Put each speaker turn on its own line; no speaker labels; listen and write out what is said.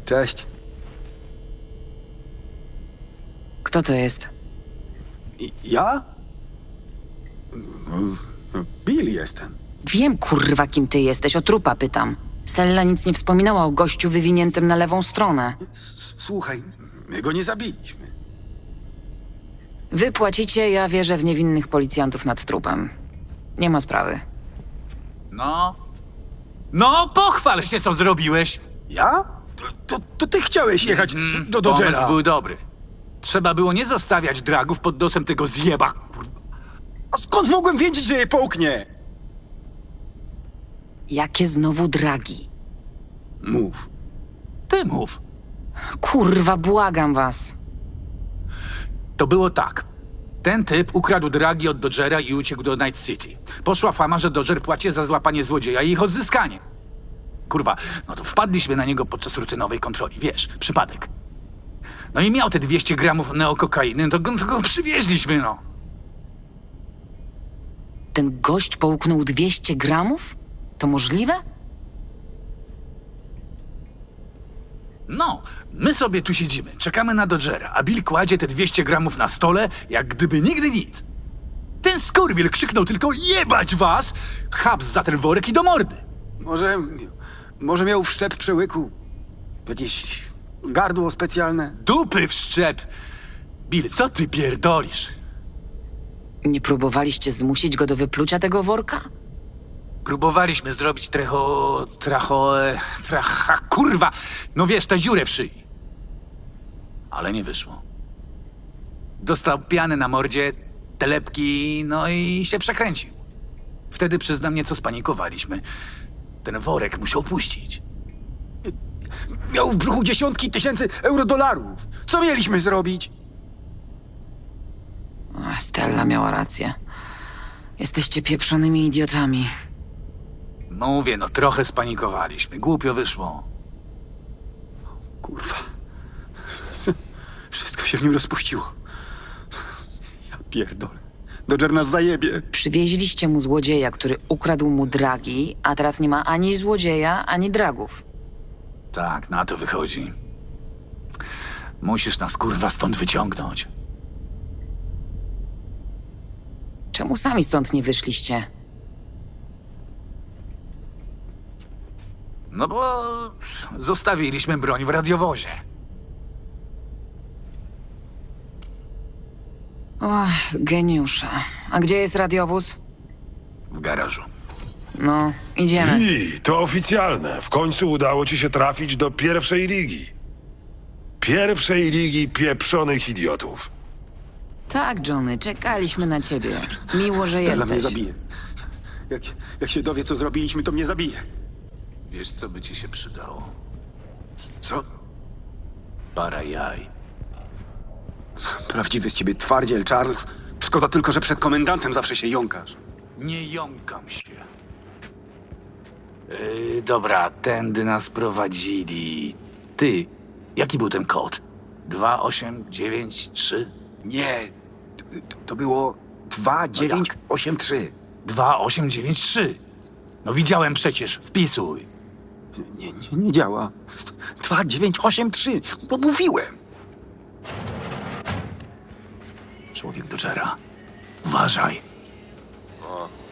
Cześć.
Kto to jest?
Ja? Bill jestem.
Wiem, kurwa, kim ty jesteś. O trupa pytam. Stella nic nie wspominała o gościu wywiniętym na lewą stronę.
Słuchaj, my go nie zabiliśmy.
Wy płacicie, ja wierzę w niewinnych policjantów nad trupem. Nie ma sprawy.
No, pochwal się, co zrobiłeś.
Ja? To ty chciałeś jechać do Dodgera.
Pomysł był dobry. Trzeba było nie zostawiać dragów pod nosem tego zjeba. Kurwa.
A skąd mogłem wiedzieć, że je połknie?
Jakie znowu dragi?
Mów.
Ty mów.
Kurwa, błagam was.
To było tak. Ten typ ukradł dragi od Dodgera i uciekł do Night City. Poszła fama, że Dodger płaci za złapanie złodzieja i ich odzyskanie. Kurwa, no to wpadliśmy na niego podczas rutynowej kontroli. Wiesz, przypadek. No i miał te 200 gramów neokokainy, to go przywieźliśmy, no.
Ten gość połknął 200 gramów? To możliwe?
No, my sobie tu siedzimy, czekamy na Dodgera, a Bill kładzie te 200 gramów na stole, jak gdyby nigdy nic. Ten skurwiel krzyknął tylko jebać was! Chaps za ten worek i do mordy.
Może miał wszczep przełyku. Jakieś gardło specjalne.
Dupy w szczep! Bill, co ty pierdolisz?
Nie próbowaliście zmusić go do wyplucia tego worka?
Próbowaliśmy zrobić kurwa! No wiesz, tę dziurę w szyi. Ale nie wyszło. Dostał pianę na mordzie, telepki, no i się przekręcił. Wtedy przyznam, nieco spanikowaliśmy. Ten worek musiał puścić.
Miał w brzuchu dziesiątki tysięcy eurodolarów. Co mieliśmy zrobić?
Ach, Stella miała rację. Jesteście pieprzonymi idiotami.
Mówię, no trochę spanikowaliśmy. Głupio wyszło.
Kurwa. Wszystko się w nim rozpuściło. Ja pierdolę. Dodger nas zajebie.
Przywieźliście mu złodzieja, który ukradł mu dragi, a teraz nie ma ani złodzieja, ani dragów.
Tak, na to wychodzi. Musisz nas kurwa stąd wyciągnąć.
Czemu sami stąd nie wyszliście?
No bo zostawiliśmy broń w radiowozie.
Och, geniusze. A gdzie jest radiowóz?
W garażu.
No, idziemy.
I to oficjalne. W końcu udało ci się trafić do pierwszej ligi. Pierwszej ligi pieprzonych idiotów.
Tak, Johnny, czekaliśmy na ciebie. Miło, że
Stella mnie
jesteś.
zabije. Jak się dowie, co zrobiliśmy, to mnie zabije.
Wiesz, co by ci się przydało?
Co?
Para jaj.
Prawdziwy z ciebie twardziel, Charles. Szkoda tylko, że przed komendantem zawsze się jąkasz.
Nie jąkam się. Dobra, tędy nas prowadzili. Ty, jaki był ten kod? 2893?
Nie, to było 2983.
2893. No widziałem przecież, wpisuj.
Nie działa. 2983. No mówiłem.
Człowiek Dodgera. Uważaj.